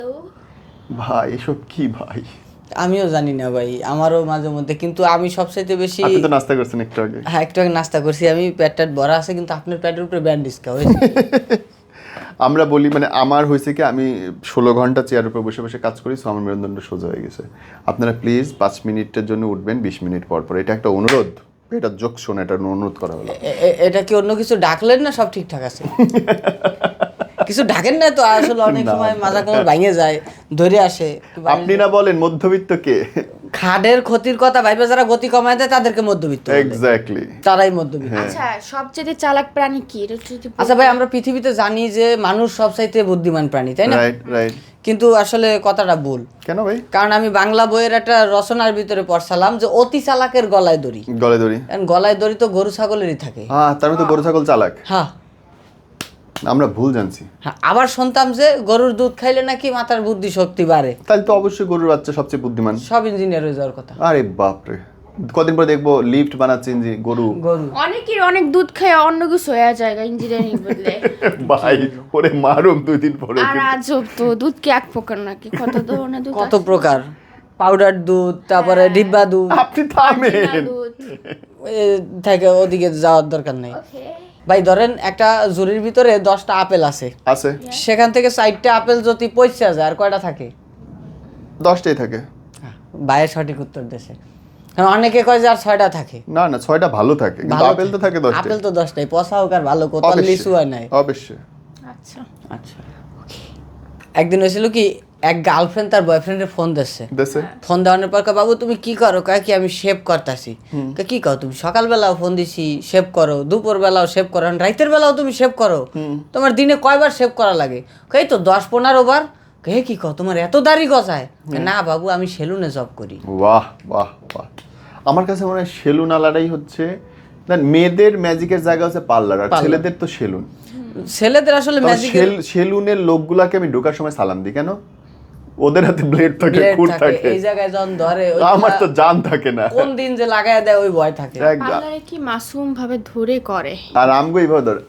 ভাই এসব কি ভাই? আমিও জানি না ভাই, আমারও মাঝে মধ্যে, কিন্তু আমি সবচাইতে বেশি। আপনি তো নাস্তা করছেন একটু আগে। হ্যাঁ, একটু আগে নাস্তা করছি, আমি পেটটা ভরা আছে, কিন্তু আপনার পেটের উপরে ব্যান্ডেজ হয়েছে। আমরা বলি মানে আমার হয়েছে কি, আমি 16 ঘন্টা চেয়ারের উপর বসে বসে কাজ করি, সো আমার মেরুদণ্ড সোজা হয়ে গেছে। আপনারা প্লিজ 5 মিনিটের জন্য উঠবেন, 20 মিনিট পর পর। এটা একটা অনুরোধ, এটা যোগ শোন, এটা অনুরোধ করা হলো। এটা কি অন্য কিছু ডাকলেন না সব ঠিকঠাক আছে? কিছু ডাকেন না তো, আসলে অনেক সময় মাজা কোমর ভাঙে যায়, ধরে আসে। আপনি না বলেন মধ্যবিত্ত কে? খাদের ক্ষতির কথা ভাইবে যারা গতি কমায় দেয় তাদেরকে মধ্যবিত্ত বলে। এক্স্যাক্টলি, তারাই মধ্যবিত্ত। আচ্ছা, সবচেয়ে চালাক প্রাণী কি? এটা যদি আচ্ছা ভাই, আমরা পৃথিবীতে জানি যে মানুষ সবচাইতে বুদ্ধিমান প্রাণী, তাই না? Right right. কিন্তু আসলে কথাটা ভুল। কেন ভাই? কারণ আমি বাংলা বইয়ের একটা রচনার ভিতরে পড়ছিলাম যে অতি চালাকের গলায় দড়ি। গলায় দড়ি? কারণ গলায় দড়ি তো গরু ছাগলেরই থাকে। হ্যাঁ, তার মানে তো গরু ছাগল চালাক। হ্যাঁ আমরা ভুল জানছি। হ্যাঁ, আবার শুনতাম যে গরুর দুধ খাইলে নাকি মাথার বুদ্ধি শক্তি বাড়ে। তাহলে তো অবশ্যই গরুর বাচ্চা সবচেয়ে বুদ্ধিমান। সব ইঞ্জিনিয়ার হয়ে যাওয়ার কথা। আরে বাপরে, কদিন পরে দেখবো লিফট বানাচ্ছে গরু। অনেকের অনেক দুধ খায় অন্য কিছু হয়ে যায় ইঞ্জিনিয়ারিং বদলে। ভাই ওরে মারুম 2 দিন পরে। আর আজব তো, দুধ কি এক প্রকার নাকি? কত ধরনের দুধ কত প্রকার, পাউডার দুধ, তারপরে ডিব্বা দুধ, আপনি থামেন। দুধ। এ থেকে ওদিকে যাওয়ার দরকার নেই। ওকে, ভাই ধরেন একটা ঝুড়ির ভিতরে 10টা আপেল আছে, আছে সেখান থেকে 4টা আপেল যদি পয়সা যায়, আর কয়টা থাকে? 10টাই থাকে। ভাইয়ের সঠিক উত্তর দেশে। অনেকে কয় যে আর 6টা থাকে। না না, 6টা ভালো থাকে, কিন্তু ভালো আপেল তো থাকে 10টাই। আপেল তো 10টাই, পচা হোক আর ভালো, কোথাও লিচু হয় নাই। অবশ্যই। আচ্ছা আচ্ছা, একদিন হয়েছিল কি, এক গার্লফ্রেন্ড তার বয়ফ্রেন্ডের ফোন দিচ্ছে। দেশে ফোন দেওয়ানোর পর কয়, বাবু তুমি কি করো? কয় কি আমি শেভ করতেছি। কি করো তুমি? সকালবেলাও ফোন দিছি শেভ করো, দুপুর বেলাও শেভ করো, রাতের বেলাও তুমি শেভ করো, তোমার দিনে কয়বার শেভ করা লাগে? কই তো 10-15 বার। কে কি কও, তোমার এত দাড়ি গজায়? না বাবু, আমি সেলুনে জব করি। বাহ বাহ বাহ। আমার কাছে মনে হয় সেলুন আলাদাই হচ্ছে, মেয়েদের ম্যাজিকের জায়গা হচ্ছে পার্লার, আর ছেলেদের তো সেলুন। ছেলেদের আসলে ম্যাজিক। সেলুনের লোকগুলাকে আমি ঢোকার সময় সালাম দিই, কেন? ওদের হাতে ব্লেড থাকে, খুর থাকে, এই জায়গায় যখন ধরে, আমার তো জান থাকে না, কোন দিন যে লাগায় দেয় ওই ভয় থাকে। পার্লারে কি মাসুম ভাবে ধরে করে? আর আমগো এইভাবে ধর।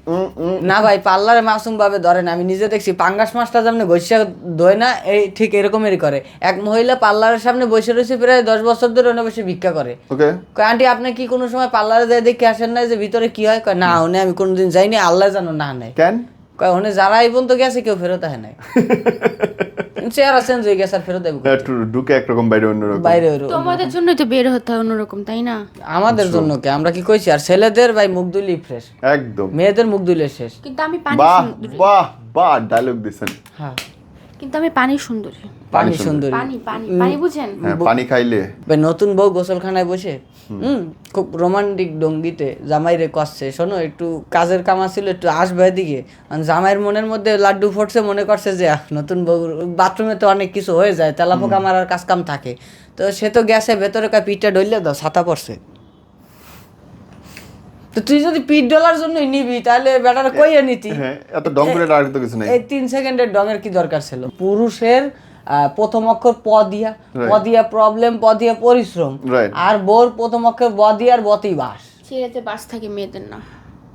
না ভাই, পার্লারে মাসুম ভাবে ধরে না, আমি নিজে দেখছি। পাঙ্গাস মাছটা যেমন ঘষিয়া ধোয় না, এই ঠিক এরকমই করে। এক মহিলা পার্লারের সামনে বসে রয়েছে, প্রায় 10 বছর ধরে ওনে বসে ভিক্ষা করে। ওকে, কয় আন্টি, আপনি কি কোনো সময় পার্লারে যাই দেখে আসেন না যে ভিতরে কি হয়? কয় না, ওনে আমি কোনোদিন যাইনি, আল্লাহ জানো না নাই। কেন? কয় ওনে যারা এই পর্যন্ত গেছে কেউ ফেরত আসে নাই। চেহারা চেঞ্জ হয়ে গেছে, আর ফেরত আসবে একটু ঢুকে একরকম, বাইরে অন্যরকম। বাইরে। তোমাদের জন্যই তো বের হতে হয় অন্যরকম, তাই না? আমাদের জন্য কে, আমরা কি কইছি? আর ছেলেদের ভাই মুখ দুইলেই ফ্রেশ, একদম। মেয়েদের মুখ দুইলে শেষ। কিন্তু আমি পানি বাহ সুন্দরী। বাহ বাহ, ডায়লগ দিছেন। হ্যাঁ, কিন্তু আমি পানি সুন্দরী। পানি সুন্দরী। পানি পানি পানি বুঝেন? হ্যাঁ, পানি খাইলে ভাই নতুন বউ গোসলখানায় বসে খুব রোমান্টিক ডঙ্গিতে জামাইরে কষছে, শোনো একটু কাজের কামা ছিল, একটু আসবে এদিকে। আর জামাইয়ের মনের মধ্যে লাড্ডু ফুটছে, মনে করছে যে নতুন বউ, বাথরুমে তো অনেক কিছু হয়ে যায়, তেলাপোকা মারার কাজ কাম থাকে, তো সে তো গেছে ভেতরে, কয় পিঠটা ডইলে দাও, ছাতা পড়ছে। তো তুই যদি পিঠ ডলার জন্যই নিবি, তাহলে বেটার কইয়া নিতি। হ্যাঁ, এত ডং করে আর তো কিছু নাই। এই 3 সেকেন্ডের ডঙের কি দরকার ছিল? পুরুষের প্রথম অক্ষর প দিয়া, প দিয়া প্রবলেম, প দিয়া পরিশ্রম, Right. আর বোর প্রথম অক্ষর ব দিয়া, আর বতেই বাস। ছেলেতে বাস থাকে, মেয়েদের না।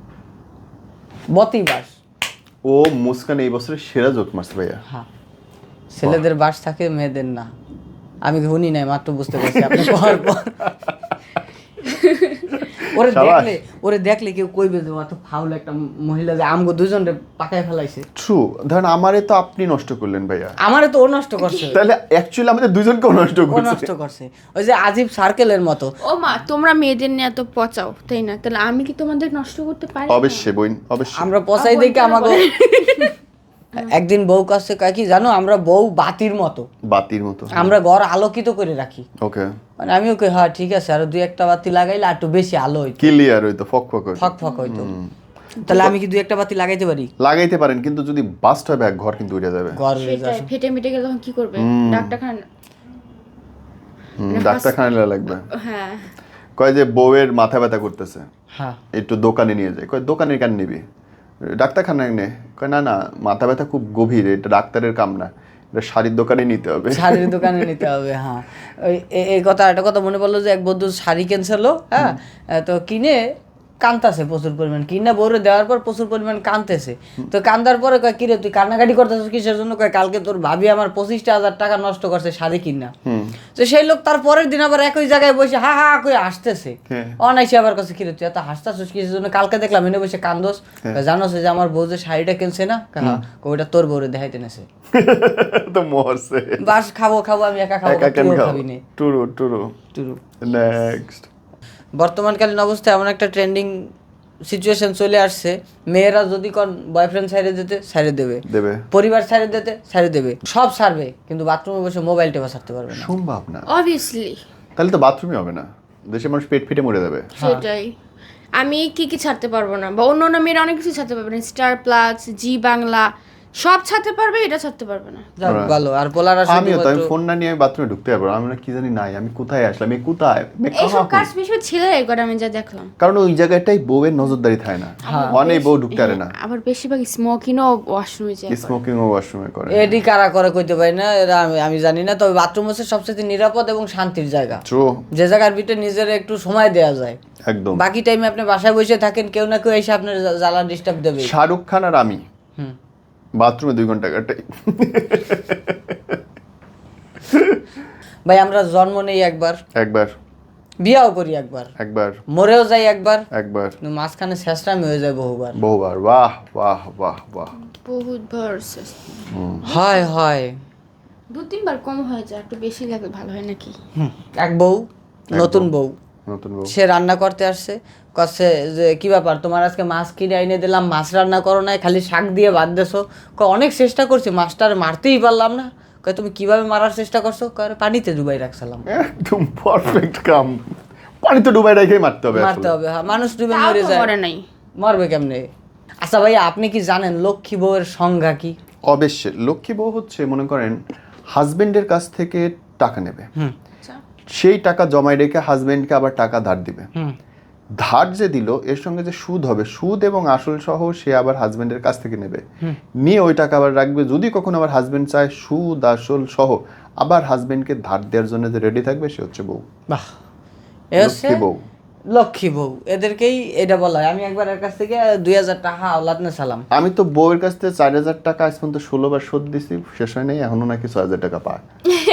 বতেই বাস। ও মুস্কান এই বছরের সেরা জোক মারছে ভাইয়া। হ্যাঁ, ছেলেদের বাস থাকে, মেয়েদের না। আমি শুনি নাই, মাত্র বুঝতে পারছি আপনি পর পর। ওরে দেখলে কেউ কইবে যে অত ফাউল একটা মহিলা, যে আমগো দুজনরে পাকায় ফেলাইছে। ট্রু, ধরেন আমারে তো আপনি নষ্ট করলেন ভাইয়া, আমারে তো ও নষ্ট করছে। তাহলে অ্যাকচুয়ালি আমাদের দুজনকেও নষ্ট ও করছে। নষ্ট করছে, ওই যে আজিব সার্কেলের মতো। ও মা, তোমরা মেয়েদের নিয়ে এত পচাও, তাই না? তাহলে আমি কি তোমাদের নষ্ট করতে পারি না? অবশ্যই বইন, অবশ্যই। আমরা পচাই দেখে আমাকে একদিন বউ কাছে কয় কি জানো, আমরা বউ বাতির মতো, বাতির মতো। আমরা ঘর আলোকিত করে রাখি। ওকে, মানে আমিও কই হ্যাঁ ঠিক আছে, আর 2-1টা বাতি লাগাইলে আর একটু বেশি আলো হইতো, ক্লিয়ার হইতো, ফক ফক হইতো। ফক ফক হইতো। তাহলে আমি কি 2-1টা বাতি লাগাইতে পারি? লাগাইতে পারেন, কিন্তু যদি বাস্ট হয় ব্যাগ, ঘর কিন্তু উড়ে যাবে। ঘর সেটাই, ফেটে মিটে গেলে তখন কি করবে? ডাক্তারখানা। ডাক্তারখানায় লাগবে। হ্যাঁ, কয় যে বউয়ের মাথা ব্যথা করতেছে, হ্যাঁ, একটু দোকানে নিয়ে যায়। কয় দোকানে কেন নিবি, ডাক্তারখানায় নে। কয় না না, মাথা ব্যথা খুব গভীর, এটা ডাক্তারের কাম না, এটা শাড়ির দোকানে নিতে হবে। শাড়ির দোকানে নিতে হবে। হ্যাঁ, ওই এই কথা, একটা কথা মনে পড়লো যে এক বন্ধু শাড়ি কিনছিল, হ্যাঁ, তো কিনে কানতেছে প্রচুর পরিমাণ, কিনা বউরে দেওয়ার পর প্রচুর পরিমাণ কানতেছে। তো কান্দার পরে কয় কিরে তুই কান্নাকাটি করতেছিস কিসের জন্য? কয় কালকে তোর ভাবি আমার 25,000 টাকা নষ্ট করছে শাড়ি কিনা। তো সেই লোক তার পরের দিন আবার একই জায়গায় বসে হা হা করে হাসতেছে। অনাইসে আবার কাছে কিরে তুই এত হাসতেছিস কিসের জন্য? কালকে দেখলাম এনে বসে কান্দোস। জানোস যে আমার বউ যে শাড়িটা কিনছে না, ওইটা তোর বউরে দেখাইতে নেছে। তো মরছে। বাস খাবো আমি একা খাবো, তুইও খাবি নে। True next. বর্তমানকালীন অবস্থায় এমন একটা ট্রেন্ডিং সিচুয়েশন চলে আসছে, মেয়েরা যদি কোন বয়ফ্রেন্ড ছাইড়ে দিতে ছাইড়ে দেবে, পরিবার ছাইড়ে দিতে ছাইড়ে দেবে, সব ছাড়বে, কিন্তু বাথরুমে বসে মোবাইল টেপা ছাড়তে পারবে না। সম্ভব না অবভিয়াসলি। তাহলে তো বাথরুমই হবে না, দেশের মানুষ পেট ফেটে মরে যাবে। সেটাই। আমি কি ছাড়তে পারবো না, বা অন্য মেয়েরা অনেক কিছু ছাড়তে পারবে না, স্টার প্লাস, জি বাংলা সব ছাড়তে পারবে, এটা ছাড়তে পারবে না। ভালো। আর পোলারা আমিও তো, আমি ফোন না নিয়ে বাথরুমে ঢুকতে পারবো না। আমি কি জানি নাই, আমি কোথায় আসলাম, এই কোথায়, এইসব কাজ বেশি ছেলেরাই করে আমি যা দেখলাম। কারণ ওই জায়গাটাই বউয়ের নজরদারি থাকে না, অনেক বউ ঢুকতে পারে না। আবার বেশিরভাগ স্মোকিংও ওয়াশরুমে যায়, স্মোকিংও ওয়াশরুমে করে। এডি কারা করে কইতে পারি না, এরা আমি জানি না। তবে বাথরুম হচ্ছে সবচেয়ে নিরাপদ এবং শান্তির জায়গা, যে জায়গার ভিতরে নিজের একটু সময় দেওয়া যায়। একদম। বাকি টাইমে আপনি বাসায় বসে থাকেন, কেউ না কেউ এসে আপনার জ্বালা ডিস্টার্ব দেবে। শাহরুখ খান আর আমি বাথরুমে 2 ঘন্টা কাটাই। ভাই আমরা জন্ম নেই একবার, বিয়াও করি একবার, মরেও যাই একবার, কিন্তু মাঝখানে শেষটামি হয়ে যায় বহুবার। বাহ বাহ বাহ বাহ, বহুত বার হয় 2-3 বার কম হয়ে যায়, একটু বেশি লাগে ভালো হয় নাকি। এক বউ, নতুন বউ, সে রান্না করতে আসছে, কচ্ছে যে কি ব্যাপার তোমার, আজকে মাছ কিনে এনে দিলাম, মাছ রান্না করো নাই, খালি শাক দিয়ে বাদ দেছো। অনেক চেষ্টা করছি, মাছটার মারতেই পারলাম না। কয় তুমি কিভাবে মারার চেষ্টা করছো? কয় পানিতে ডুবাই রাখছিলাম। একদম পারফেক্ট কাম, পানিতে ডুবাই রেখেই মারতে হবে। হ্যাঁ, মানুষ ডুবে মরে যায়, মরবে কেমনে? আচ্ছা ভাই, আপনি কি জানেন লক্ষ্মী বউয়ের সংজ্ঞা কি? অবশ্যই। লক্ষ্মী বউ হচ্ছে, মনে করেন হাজবেন্ডের কাছ থেকে টাকা নেবে, সেই টাকা জমায় রেখে হাজবেন্ডকে আবার টাকা ধার দিবে। ধার যে দিল এর সঙ্গে যে সুদ হবে, সুদ এবং আসল সহ সে আবার হাজবেন্ডের কাছ থেকে নেবে, নিয়ে ওই টাকা আবার রাখবে। যদি কখনো আবার হাজবেন্ড চায় সুদ আসল সহ আবার হাজবেন্ডকে ধার দেওয়ার জন্য যে রেডি থাকবে, সে হচ্ছে বউ। বাহ, লক্ষ্মী বউ। লক্ষ্মী বউ, এদেরকেই এটা বলা হয়। আমি একবার এর কাছ থেকে 2,000 টাকা আওলাদ নে সালাম। আমি তো বউয়ের কাছ থেকে 4,000 টাকা আজ পর্যন্ত 16 বার শোধ দিছি, শেষ হয় নাই, এখনো নাকি 6,000 টাকা পায়।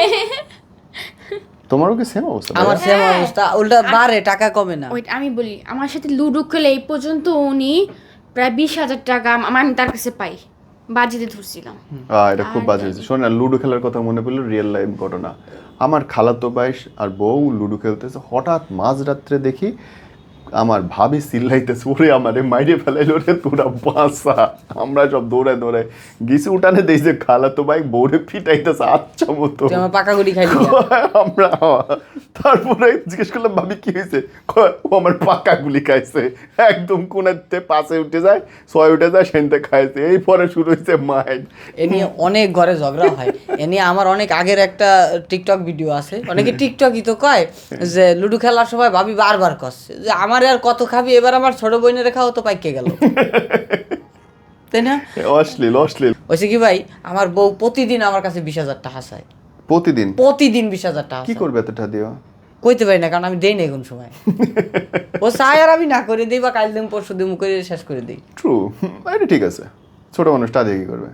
তোমারও কি সেম অবস্থা? আমার সেম অবস্থা, উল্টা বাড়ে, টাকা কমে না। ওই আমি বলি, আমার সাথে লুডো খেলে এই পর্যন্ত উনি প্রায় 20,000 টাকা আমি তার কাছে পাই, বাজিতে ধরছিলাম। এটা খুব বাজে হয়েছে। শোন না, লুডো খেলার কথা মনে পড়লো, রিয়েল লাইফ ঘটনা। আমার খালাতো ভাই আর বউ লুডো খেলতেছে, হঠাৎ মাঝরাত্রে দেখি আমার ভাবি চিল্লাইতেছে, ওরে আমারে মাইরে ফেলাইলো রে, তোরা বাঁচা। আমরা সব দৌড়ায় গিয়েছি উঠানে, দেখি যে খালাতো ভাই বউরে পিটাইতেছে আচ্ছা মতো, পাকাগুড়ি খাইলি আমরা। তারপরে জিজ্ঞেস করলাম ভাবি কি হয়েছে? ও আমার পাকা গুলি খাইছে, একদম কোনাতে 5-এ উঠে যায়, 6-এ উঠে যায়, সেনতে খাইছে। এই পরে শুরু হয়েছে মাইন্ড। এ নিয়ে অনেক ঘরে ঝগড়া হয়। এ নিয়ে আমার অনেক আগের একটা টিকটক ভিডিও আছে, অনেকে টিকটকই তো কয় যে লুডো খেলার সময় ভাবি বারবার করছে যে আমার আর কত খাবি, এবার আমার ছোট বোনের খাও তো পাইকে গেল, তাই না? অশ্লীল হয়েছে কি ভাই, আমার বউ প্রতিদিন আমার কাছে 20,000 টাকা চায়। প্রতিদিন 20,000 টাকা। কি করবে এতটা দিও? কইতে পারি না, কারণ আমি দেই না কোন সময়। ও চায় আর আমি না করে দিই, বা কাল দিন পরশু দিন করে শেষ করে দিই। ট্রু, এটা ঠিক আছে। ছোট মানুষটা দিয়ে কি করবে?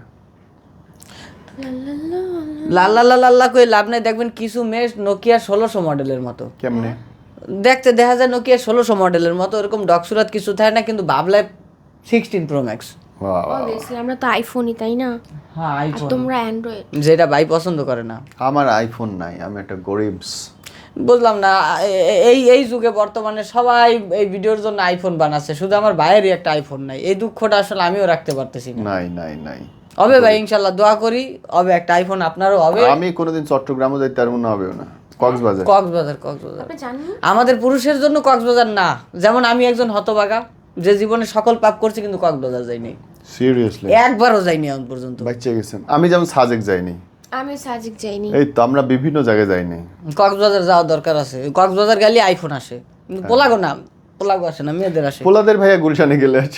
লাল্লা করে লাভ নাই। দেখবেন কিছু মেয়ে নোকিয়া 1600 মডেলের মতো, কেমনে দেখতে দেখা যায় নোকিয়া 1600 মডেলের মতো, এরকম ডকসুরাত কিছু থাকে না, কিন্তু ভাবলায় 16 প্রো ম্যাক্স। অবভিয়াসলি আমরা তো আইফোনই, তাই না? হ্যাঁ আইফোন, তোমরা অ্যান্ড্রয়েড, যেটা ভাই পছন্দ করে না। আমার আইফোন নাই, আমি একটা গরিবস। বুঝলাম না, এই যুগে বর্তমানে সবাই এই ভিডিওর জন্য আইফোন বানাচ্ছে, শুধু আমার ভাইয়েরই একটা আইফোন নাই। এই দুঃখটা আসলে আমিও রাখতে পারতেছি না। নাই হবে ভাই, ইনশাল্লাহ দোয়া করি হবে একটা আইফোন, আপনারও হবে। আমি কোনোদিন চট্টগ্রামও যাইতে পারবো না, হবেও না। কক্সবাজার আপনি জানেন আমাদের পুরুষের জন্য কক্সবাজার না। যেমন আমি একজন হতভাগা, যে জীবনে সকল পাপ করছি, কিন্তু কক্সবাজার যাইনি। সিরিয়াসলি একবারও যাইনি এখন পর্যন্ত। বাচ্চা গেছেন। আমি যেমন সাজেক যাইনি, আমি সাজিক যাইনি। এই তো আমরা বিভিন্ন জায়গায় যাইনি। কক্সবাজার যাওয়ার দরকার আছে। কক্সবাজার গেলে আইফোন আসে, কিন্তু পোলাগো না, পোলাগো আসে না, মেয়েদের আসে। পোলাদের ভাইয়া গুলশানে গেলে আছে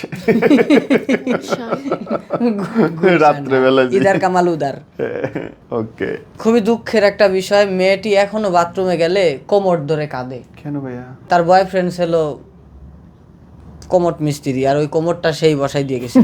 রাত্রে বেলা। ইদার কামাল উদার। ওকে। খুবই দুঃখের একটা বিষয়, মেয়েটি এখনো বাথরুমে গেলে কোমর ধরে কাঁদে। কেন ভাইয়া? তার বয়ফ্রেন্ড ছিল কোমট মিস্ত্রি, আর ওই কোমরটা সেই বসাই দিয়ে গেছিল।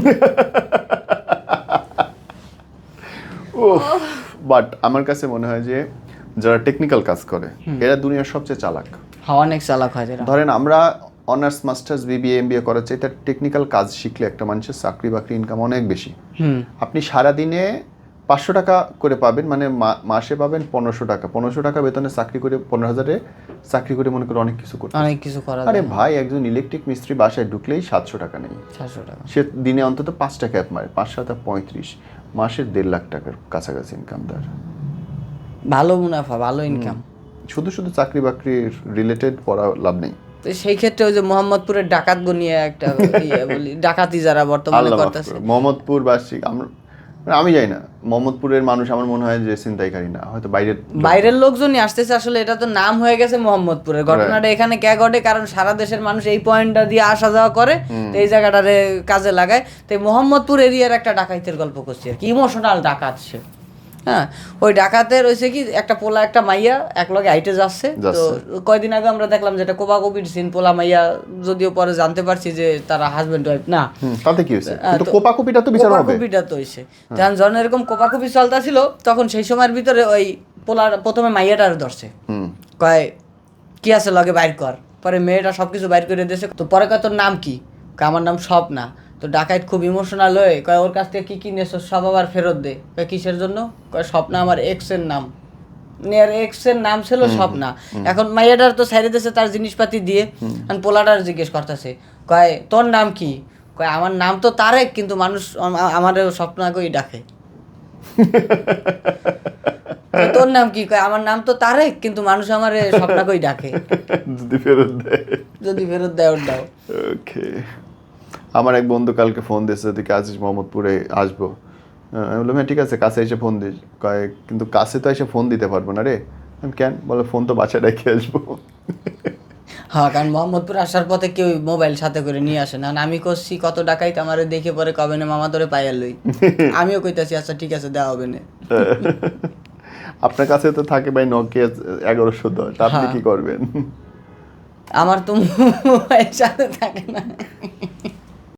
বাট আমার কাছে মনে হয় যে যারা টেকনিক্যাল কাজ করে এরা দুনিয়ার সবচেয়ে চালাক। হ্যাঁ, অনেক চালাক হয় এরা। ধরেন আমরা অনার্স মাস্টার্স বিবিএ এমবিএ করার চাইতে টেকনিক্যাল কাজ শিখলে একটা মানুষের চাকরি বাকরি ইনকাম অনেক বেশি। আপনি সারাদিনে 500 টাকা করে পাবেন, মানে মাসে পাবেন 1500 টাকা। 1500 টাকা বেতনে চাকরি করে 15,000-এ চাকরি করে মনে করে অনেক কিছু করতে। অনেক কিছু করা আরে যায়। ভাই, একজন ইলেকট্রিক মিস্ত্রি বাসায় ঢুকলেই 700 টাকা নেই। 700 টাকা। সে দিনে অন্তত 5টা ক্যাপ মারে, 5-7-35, মাসের 1.5 লাখ টাকার কাছাকাছি ইনকাম তার। ভালো মুনাফা, ভালো ইনকাম। শুধু শুধু চাকরি বাকরি রিলেটেড পড়া লাভ নেই। তো সেই ক্ষেত্রে ওই যে মোহাম্মদপুরের ডাকাত গনিয়ে একটা বলি, ডাকাতি যারা বর্তমানে আল্লাহ মাফ করতেছে, করুক। মোহাম্মদপুর বাসী আমি জানি না, মোহাম্মদপুরের মানুষ আমার মনে হয় যে ছিনতাইকারী না, হয়তো বাইরের লোকজনই আসতেছে। আসলে এটা তো নাম হয়ে গেছে মোহাম্মদপুরের। ঘটনাটা এখানে কে ঘটে, কারণ সারা দেশের মানুষ এই পয়েন্টটা দিয়ে আসা যাওয়া করে, তো এই জায়গাটারে কাজে লাগায়। তো এই মোহাম্মদপুর এরিয়ার একটা ডাকাইতের গল্প করছি আর কি, ইমোশনাল ডাকাত সে। হ্যাঁ, ওই ডাকাতের হয়েছে কি, একটা পোলা একটা মাইয়া একলগে হাইটে যাচ্ছে। তো কয়দিন আগে আমরা দেখলাম যেটা কোপাকুপির সিন, পোলা মাইয়া, যদিও পরে জানতে পারছি যে তারা হাজবেন্ড ওয়াইফ না। তাতে কি হয়েছে? কিন্তু কোপাকুপিটা তো বিচার হবে। কোপাকুপিটা তো হইছে, যখন এরকম কোপাকুপি চলতেছিল তখন সেই সময়ের ভিতরে ওই পোলার প্রথমে মাইয়াটার ধরছে, কয় কি আছে লগে বাইর কর। পরে মেয়েটা সবকিছু বাইর করে দিয়েছে। তো পরে কয় তোর নাম কি? কয় আমার নাম স্বপ্না। তো ডাকাইত খুব ইমোশনাল হয়ে কয় ওর কাছ থেকে কি নেছো সব আবার ফেরত দে। কয় কিসের জন্য? কয় স্বপ্না আমার এক্স এর নাম। এক্স এর নাম ছিল স্বপ্না। এখন মাইয়াটার তো ছাইড়ে দিয়েছে তার জিনিসপাতি দিয়ে। পোলাটার জিজ্ঞেস করতেছে, কয় তোর নাম কি? কয় আমার নাম তো তারেক, কিন্তু মানুষ আমার স্বপ্নাকেই ডাকে। তোর নাম কি? কয় আমার নাম তো তারেক, কিন্তু মানুষ আমার স্বপ্নাকেই ডাকে। যদি ফেরত দেয়, যদি ফেরত দেয় ওর দাও। ওকে। আমার এক বন্ধু কালকে ফোন দিয়েছে, তুই কাছে মোহাম্মদপুরে আসবো। আমি বললাম হ্যাঁ ঠিক আছে, কাছে এসে ফোন দিস। কয় কিন্তু কাছে তো এসে ফোন দিতে পারবো না রে। আমি কেন? বলে ফোন তো বাসায় রেখে আসবো। হ্যাঁ, কারণ মোহাম্মদপুর আসার পথে কেউ মোবাইল সাথে করে নিয়ে আসে না। আমি করছি কত ডাকাইত আমার দেখে পরে কবে না মামা তোরে পাইয়া লই। আমিও কইতাছি আচ্ছা ঠিক আছে দেওয়া হবে না। আপনার কাছে তো থাকে ভাই নোকিয়া 1110, আপনি কি করবেন? আমার তো মোবাইল সাথে থাকে না।